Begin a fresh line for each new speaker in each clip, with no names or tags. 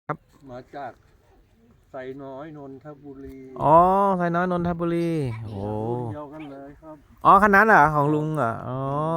ครับ
มาจากไซน้อยนนทบุรี
อ๋อไซน้อยนนทบุรีโอ้
รุ่นเดียวกันเลยครับ
อ๋อคันนั้นเหรอของลุงเหรออ๋อ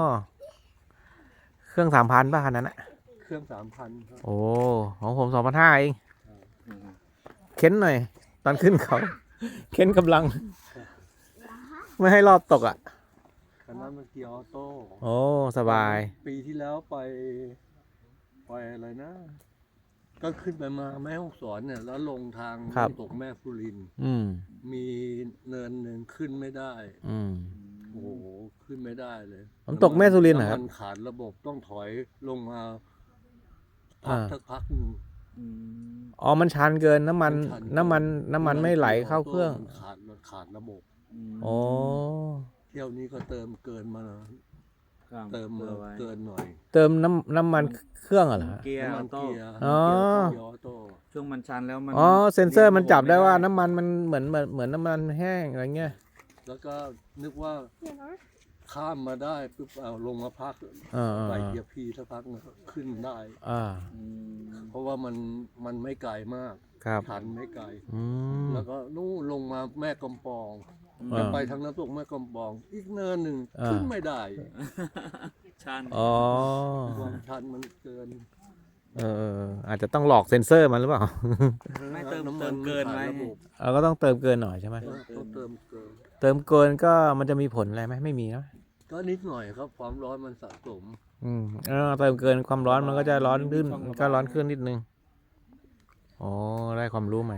เครื่อง3,000ป่ะคันนั้นอะ
เครื่อง3,000ครับ
โอ้ของผม2,500เองเค้นหน่อยตอนขึ้นเขาเค้นกำลังไม่ให้รอบตกอ่ะ
คันนั้นมันเกียร์ออโต้
โอ้สบาย
ปีที่แล้วไปอะไรนะ ก็ขึ้นไปมาแม่ฮ่องสอนเนี่ย แล้วลงทาง
ครับ
น้ำตกแม่ฟุริน
ม
มีเนินหนึ่งขึ้นไม่ได้
อืม
โอ้โหขึ้นไม่ได้เลย
น้ำตกแม่สุรินทร์เหรอครับ
น้ำมันขาดระบบต้องถอยลงมาพัก
อ่า
สักพักหนึ่ง
อ๋อมันชันเกินน้ำมัน
มันชันเกิน
น้ำมันไม่ไหลเข้าเครื่อง
มันขาดระบบ
โอ้
เที่ยวนี้ก็เติมเกินมานะเติมมาเกินหน่อย
เติมน้ำมันเครื่องเหรอฮะ
เกียร์
น้ำ
อ
มั
อน โต้
เกียร์
อ๋อ
เกียร์ออโต้
ช่วงมันชันแล้วมัน
อ๋อเซ็นเซอร์มันจับได้ว่า
เรียกระบบ
น้ำมันมันเหมือนน้ำมันแห้งอะไรเงี้ย
แล้วก็นึกว่าข้ามมาได้ปุ๊บเอาลงมาพัก
อ่า
ใส่เกียร์พีสักพักนึงขึ้นได้
อ่า
อืม
เพราะว่ามันไม่ไกลมาก
ครับ
ชันไม่ไกล
อืม
แล้วก็นู่นลงมาแม่กำปอง
อ่า
จะไปทางน้ำตกแม่กำปอง อีกเนินหนึ่ง
อ่า
ขึ้นไม่ได้
ชัน
อ๋อ
ความชันมันเกิน
อาจจะต้องหลอกเซ็นเซอร์มันหรือเปล่า
ไม่เติม
น้ำ
เติมเกินไหม
ขาดระบบ
เราก็ต้องเติมเกินหน่อยใช่ไหม
ต้องเติมเกิน
เติมเกินก็มันจะมีผลอะไรไหมไม่มีนะ
ก็นิดหน่อยครับความร้อนมันสะสม
เติมเกินความร้อนมันก็จะร้อนขึ้นก็ร้อนขึ้นนิดนึงอ๋อได้ความรู้ใหม่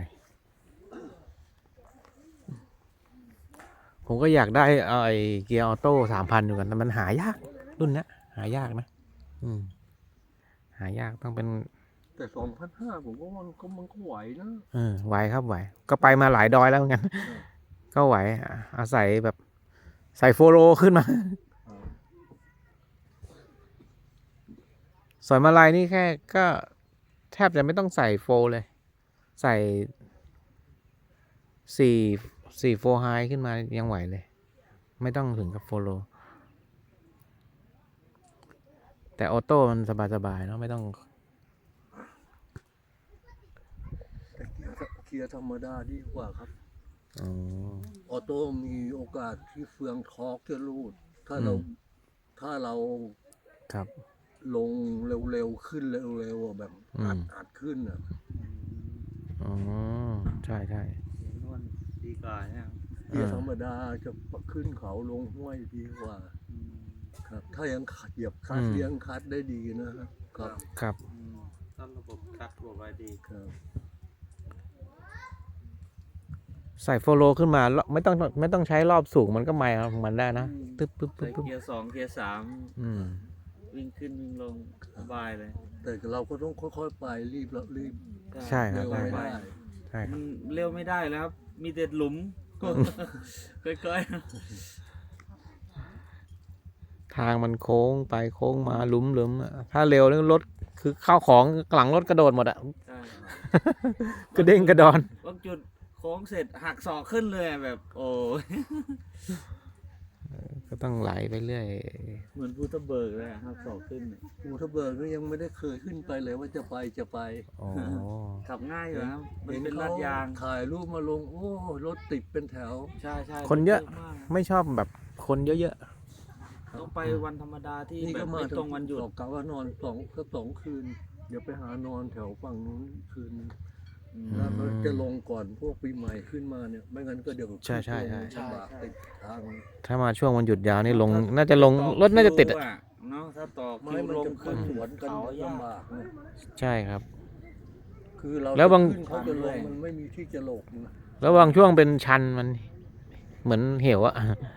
ผมก็อยากได้ไอ้เกียร์ออโต้3,000อยู่กันแต่มันหายากรุ่นเนี้ยหายากนะหายากต้องเป็น
แต่2,500ผมก็ว่ามันก็ไหวนะ
ไหวครับไหวก็ไปมาหลายดอยแล้วเหมือนกันก็ไหวอาศัยแบบใส่โฟโลขึ้นมาสอยมาลายนี่แค่ก็แทบจะไม่ต้องใส่โฟเลย ใส่4โฟไฮขึ้นมายังไหวเลย ไม่ต้องถึงกับโฟโลแต่ออโต้มันสบายๆเนาะไม่ต้อง
แต่เกียร์ธรรมดาดีกว่าครับ
อ๋อ
ออโต้มีโอกาสที่เฟืองทอร์กจะรูด ถ้าเรา
ครับ
ลงเร็วๆขึ้นเร็วๆอะแบบอัดขึ้นอ่ะ
อ๋อใช่
นวลดีกว่าเนี่ย
เกียร์ธรรมดาจะขึ้นเขาลงห้วยดีกว่า
อืม
ครับ ถ้ายังเหยียบคลัดเลี้ยงคลัดได้ดีนะครับครับ
ครับ
อืมต้องระบบคัดระบบไว้ดี
ครับ
ใส่โฟโลขึ้นมาไม่ต้องใช้รอบสูงมันก็ไม่ของมันได้นะตึ๊บปึ๊บ
ใส่
ปึ๊บ
เกียร์2เกียร์3
อืม
วิ่งขึ้นวิ่งลงสบายเลย
แต่เราก็ต้องค่อยๆไปรีบ
ใช่ครั
เร็
บ
วไม่ได้
ใช่ค
มั
รับ
นเร็วไม่ได้แล้วครับ มีแต่หลุมค่อย
ทางมันโค้งไปโค้งมาหลุมอะถ้าเร็วนี่รถคือข้าวของหลังรถกระโดดหมดอะ
ๆใช่
กระเด้งกระดอน
บางจุดโค้งเสร็จหักศอกขึ้นเลยแบบ โอ้ย
ก็ต้องไหลไปเรื่อย
เหมือนพุทธเบิกเลยอะหักศอกขึ้นเนี่ย
ภูทะเบิกก็ยังไม่ได้เคยขึ้นไปเลยว่าจะไป
อ๋อ
ขับง่ายอยู่นะครับมัน
เห็น
เป็น
เขา
ลาดยาง
ถ่ายรูปมาลง โอ้รถติดเป็นแถว
ใช่ใช่
คนเยอะ
มาก
ไม่ชอบแบบคนเยอะ
ต้องไปวันธรรมดาที่
นี่
แบ
ก็
บ
มา
ไม่ตรงวันหยุด
กะว่านอนสองคืน เดี๋ยวไปหานอนแถวฝั่งนู้นคืนนึง
อืม
แล้วก็จะลงก่อนพวกปีใหม่ขึ้นมาเนี่ย ไม่งั้นก็เดี๋ยว
ใช่ใช่
ลำบากติดทาง
ๆถ้ามาช่วงวันหยุดยาวนี่ลงน่าจะลงรถน่าจะติดอะ
เนาะถ้าต่อ
ไม่
คิว
มัน
ลง
จะ
ขึ้
ขึ้
น
นสวนกัน
เขายาก
ลำบากนะ
ใช่ครับ
คือเรา
แล้วบาง
จะขึ้นเขาจะลงมันไม่มีที่จะหลบนะ
แล้วบางช่วงเป็นชันมันเหมือนเหวอะ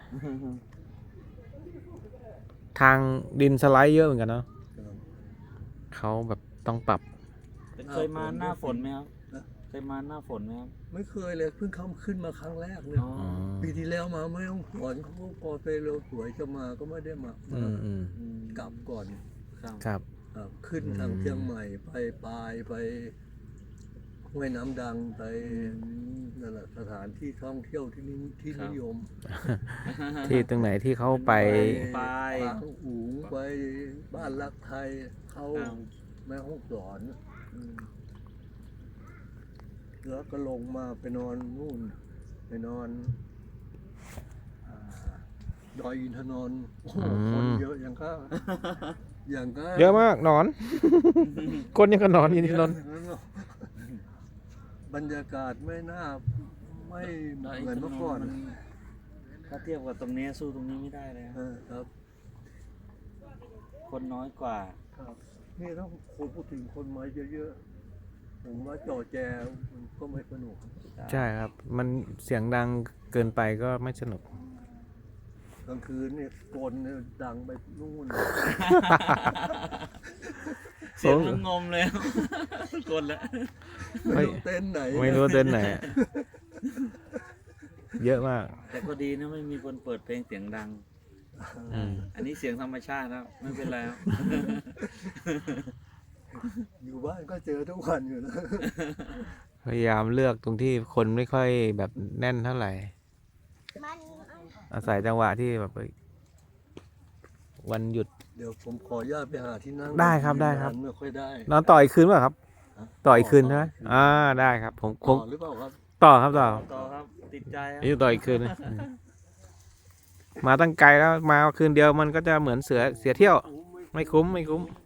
ทางดินสไลด์เยอะเหมือนกันเนาะเขาแบบต้องปรับ
เคยมาหน้าฝนไหมครับเคยมาหน้าฝนไหมครับ
ไม่เคยเลยเพิ่งเข้าขึ้นมาครั้งแรกเนี่ย
อ๋อ
ปีที่แล้วมาไม่ต้องสวนเขาก็พอไปเร็วสวยจะมาก็ไม่ได้มา
อืม
อืม
กลับก่อน
ครับ
ครับ
ขึ้นทางเชียงใหม่ไปปลายไปห้วยน้ำดังไปนั่นแหละสถานที่ท่องเที่ยวที่นี่ที่นิยม
ที่ตรงไหนที่เขาไป
ไป
ปางอูงไปบ้านรักไทยเข้า
ครับ
แม่ห้องสอน
อืม
แล้วก็ลงมาไปนอนนู่นไปนอนอ่าดอยอินทนนท์โอ้โหคนเยอะอย่างก็อย่างก็
เยอะมากหนอน คนยังก็หนอนอยู่ที่นนท์
บรรยากาศไม่น่าไม่เหมือนเมื่อก่อน
ถ้าเทียบกับตรงนี้สู้ตรงนี้ไม่ได้เลยครับ
ครับ
คนน้อยกว่า
ครับนี่ต้องคนพูดถึงคนมาเยอะๆผมว่าจอแจมันก็ไม่สนุก
ใช่ครับ มันเสียงดังเกินไปก็ไม่สนุก
กลางคืนเนี่ยโกนเนี่ยดังไปนู่น
เสียงมันงมเลย คนละ
ไม่รู้เต้นไหน
ไม่รู้เต้นไหนอะเยอะมาก
แต่ก็ดีนะไม่มีคนเปิดเพลงเสียงดัง
อืม
อันนี้เสียงธรรมชาติครับไม่เป็นไรครับ
อยู่บ้านก็เจอทุกวันอยู่นะ
พยายามเลือกตรงที่คนไม่ค่อยแบบแน่นเท่าไหร่ อาศัยจังหวะที่แบบวันหยุด
เดี๋ยวผมขออนุญาตไปหาที่นั่ง
ได้ครับได้ครับ
ไม่ค่อยได้
นอนต่ออีกคืนเปล่ะครับ
ฮะ
ต่ออีกคืนใช่ไหมได้ครับผมค
ต่อง หรือเปล่าครับ
ต่อครับต่อ
ต่อครับติดใจครับ
อยู่ต่ออีกคืนนึงมาตั้งไกลแล้วมาคืนเดียวมันก็จะเหมือนเสียเที่ยว ไม่คุ้ม